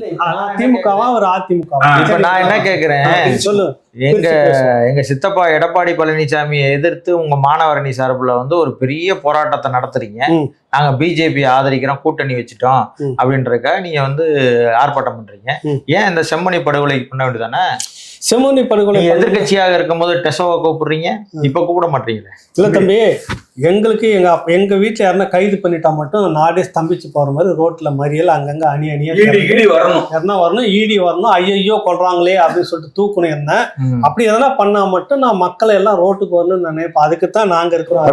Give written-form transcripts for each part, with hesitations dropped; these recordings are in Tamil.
திமுகவா ஒரு அதிமுக? இப்ப நான் என்ன கேக்குறேன், சொல்லு. எங்க சித்தப்பா எடப்பாடி பழனிசாமியை எதிர்த்து உங்க மாணவரணி சார்புல ஒரு பெரிய போராட்டத்தை நடத்துறீங்க. நாங்க பிஜேபி ஆதரிக்கிறோம், கூட்டணி வச்சுட்டோம் அப்படின்றதுக்காக நீங்க ஆர்ப்பாட்டம் பண்றீங்க. ஏன் இந்த செம்மணி படுகொலை பண்ண வேண்டியதானே? செம்மணி படுகொலை எதிர்கட்சியாக இருக்கும் போது டெசோவை கூப்பிடுறீங்க, இப்ப கூப்பிட மாட்டீங்களே? இல்ல தம்பி, எங்களுக்கு எங்க வீட்டுல யாருன்னா கைது பண்ணிட்டா மட்டும் நாடே ஸ்தம்பிச்சு போற மாதிரி ரோட்ல மறியல் அங்கங்க அணியா வரணும், ஈடி வரணும், ஐயோ கொள்றாங்களே அப்படின்னு சொல்லிட்டு தூக்கணும். என்ன அப்படி எதெல்லாம் பண்ணா மட்டும் நான் மக்களை எல்லாம் ரோட்டுக்கு வரணும்னு நினைப்பேன். அதுக்குத்தான் நாங்க இருக்கிறோம்.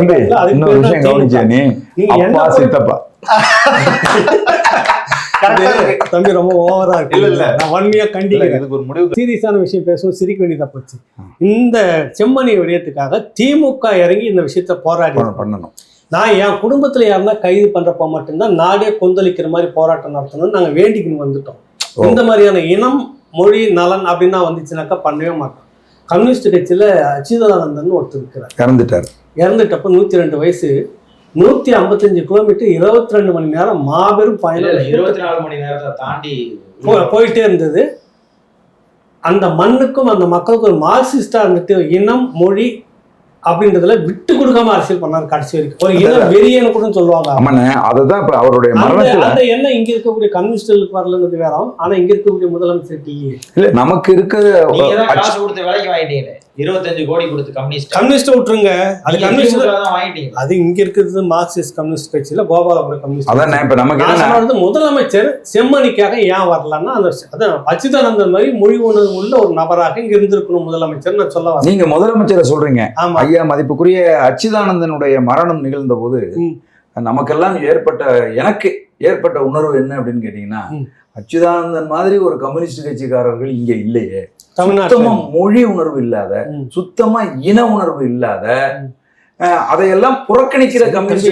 தம்பி ரொம்ப ஓவரா இருக்கு. நான் வன்மையா கண்டிக்கிறேன். சீரியஸான விஷயம் பேசுவோம், சிரிக்க வேண்டியதா போச்சு. இந்த செம்மணி விடயத்துக்காக திமுக இறங்கி இந்த விஷயத்த போராடி பண்ணணும். நான் என் குடும்பத்துல யாருன்னா கைது பண்றப்ப மட்டும்தான் நாடே கொந்தளிக்கிற மாதிரி போராட்டம் நடத்தணும்னு நாங்க வேண்டிக்கின்னு வந்துட்டோம். இந்த மாதிரியான இனம், மொழி, நலன் அப்படின்னா வந்துச்சுனாக்கா பண்ணவே மாட்டோம். கம்யூனிஸ்ட் கட்சியில அச்சுதானந்தன் ஒருத்தர் இருக்கிறார். இறந்துட்டப்ப 102 வயசு, 155 கிலோமீட்டர், 22 மணி நேரம் மாபெரும் பயணம், 24 மணி நேரத்தை தாண்டி போயிட்டே இருந்தது. அந்த மண்ணுக்கும் அந்த மக்களுக்கும் ஒரு மார்க்சிஸ்டா இருந்துட்டு இனம், மொழி அப்படின்றதுல விட்டு கொடுக்காம அரசியல் பண்ணாரு கடைசி வரைக்கும். ஒரு இனம் வெறியன்னு கூட சொல்லுவாங்க. அந்த எண்ணம் இங்க இருக்கக்கூடிய கம்யூனிஸ்டுகளுக்கு வரலங்கிறது வேற. ஆனா இங்க இருக்கக்கூடிய முதலமைச்சர் இல்ல, நமக்கு இருக்க காசு கொடுத்து வேலைக்கு வாங்கிட்டீங்க, 25 கோடி கொடுத்து கம்யூனிஸ்ட் விட்டுருங்க. அது கம்யூனிஸ்ட் தான் வாங்கிட்டீங்க. அது இங்க இருக்கிறது மார்க்சிஸ்ட் கம்யூனிஸ்ட் கட்சியில கோபாலபுரம் கம்யூனிஸ்ட். முதலமைச்சர் செம்மணிக்காக ஏன் வரலன்னா, அந்த அச்சுதானந்தன் மாதிரி மொழி உணர்வு உள்ள ஒரு நபராக இங்க இருந்திருக்கணும் முதலமைச்சர் நான் சொல்ல வரேன். நீங்க முதலமைச்சரை சொல்றீங்க. ஐயா மதிப்புக்குரிய அச்சுதானந்தனுடைய மரணம் நிகழ்ந்த போது நமக்கெல்லாம் எனக்கு ஏற்பட்ட உணர்வு என்ன அப்படின்னு கேட்டீங்கன்னா, அச்சுதானந்தன் மாதிரி ஒரு கம்யூனிஸ்ட் கட்சிக்காரர்கள் இங்க இல்லையே. சுத்தமா மொழி உணர்வு இல்லாத, சுத்தமா இன உணர்வு இல்லாத, அதையெல்லாம் புறக்கணிக்கிற கம்யூனிஸ்ட்